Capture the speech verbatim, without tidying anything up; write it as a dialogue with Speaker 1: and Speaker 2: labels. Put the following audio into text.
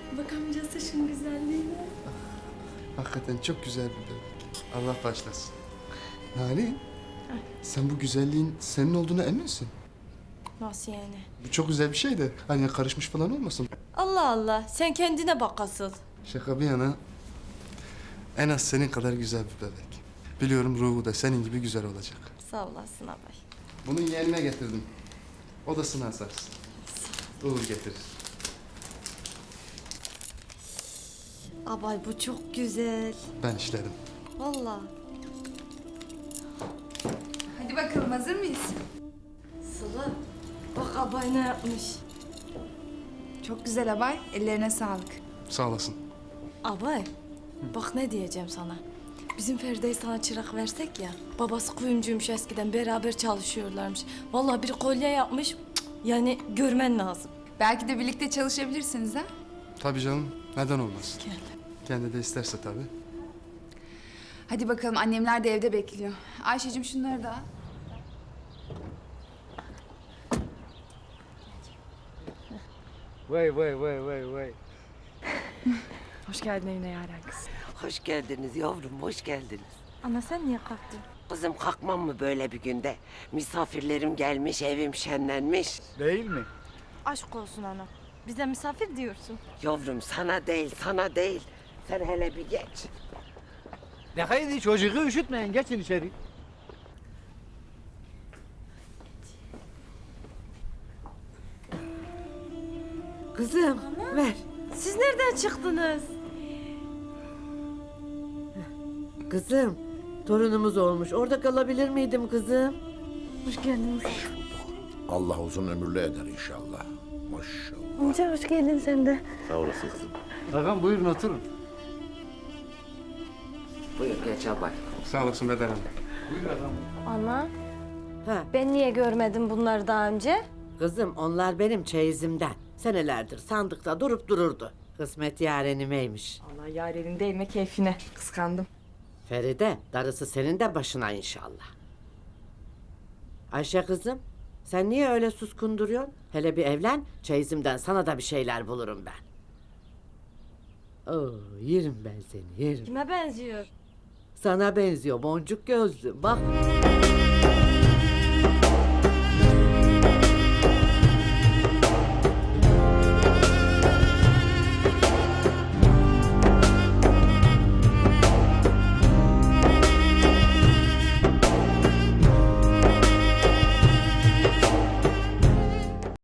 Speaker 1: Bakamayacağız şunun güzelliğine.
Speaker 2: Hakikaten çok güzel bir bebek. Allah başlasın. Nali, sen bu güzelliğin senin olduğuna eminsin.
Speaker 1: Nasıl yani?
Speaker 2: Bu çok güzel bir şey de hani karışmış falan olmasın.
Speaker 1: Allah Allah, sen kendine bak asıl.
Speaker 2: Şaka bir yana en az senin kadar güzel bir bebek. Biliyorum ruhu da senin gibi güzel olacak.
Speaker 1: Sağ olasın abay.
Speaker 2: Bunu yeğenime getirdim. Odasına asarsın. Uğur getirir.
Speaker 1: Abay bu çok güzel.
Speaker 2: Ben işlerim.
Speaker 1: Vallahi.
Speaker 3: Hadi bakalım, hazır mıyız?
Speaker 1: Sıla, bak abay ne yapmış.
Speaker 3: Çok güzel abay, ellerine sağlık.
Speaker 2: Sağ olasın.
Speaker 1: Abay, bak ne diyeceğim sana. Bizim Feride'yi sana çırak versek ya. Babası kuyumcuymuş eskiden, beraber çalışıyorlarmış. Vallahi bir kolye yapmış. Cık, yani görmen lazım.
Speaker 3: Belki de birlikte çalışabilirsiniz ha?
Speaker 2: Tabii canım. Neden olmaz?
Speaker 1: Gel.
Speaker 2: Kendi de isterse tabii.
Speaker 3: Hadi bakalım, annemler de evde bekliyor. Ayşe'cim şunları da al.
Speaker 4: Vay vay vay vay vay.
Speaker 1: Hoş geldin evine Yaren kız.
Speaker 5: Hoş geldiniz yavrum, hoş geldiniz.
Speaker 1: Ana sen niye kalktın?
Speaker 5: Kızım kalkmam mı böyle bir günde? Misafirlerim gelmiş, evim şenlenmiş.
Speaker 4: Değil mi?
Speaker 1: Aşk olsun ana. Bize misafir diyorsun.
Speaker 5: Yavrum sana değil, sana değil. Sen hele bir geç.
Speaker 4: Ne haydi çocuğu üşütmeyin, geçin içeri.
Speaker 6: Kızım ver.
Speaker 1: Siz nereden çıktınız?
Speaker 6: Kızım torunumuz olmuş. Orada kalabilir miydim kızım?
Speaker 1: Hoş geldiniz.
Speaker 7: Allah uzun ömürlü eder inşallah. Maşallah.
Speaker 1: Amca hoş geldin sen de.
Speaker 7: Sağ olasın kızım.
Speaker 4: Ağam buyurun oturun.
Speaker 5: Buyur geç abay.
Speaker 2: Sağ olasın Bedar Hanım.
Speaker 4: Buyur ağam.
Speaker 1: Ana,
Speaker 6: Ha,
Speaker 1: ben niye görmedim bunları daha önce?
Speaker 6: kızım onlar benim çeyizimden. Senelerdir sandıkta durup dururdu. Kısmet yarenimeymiş.
Speaker 8: Allah yarenin değme keyfine. Kıskandım.
Speaker 6: Feride darısı senin de başına inşallah. Ayşe kızım sen niye öyle suskun duruyorsun? Hele bir evlen çeyizimden sana da bir şeyler bulurum ben. Oo, yerim ben seni yerim.
Speaker 1: Kime benziyor?
Speaker 6: Sana benziyor boncuk gözlü bak.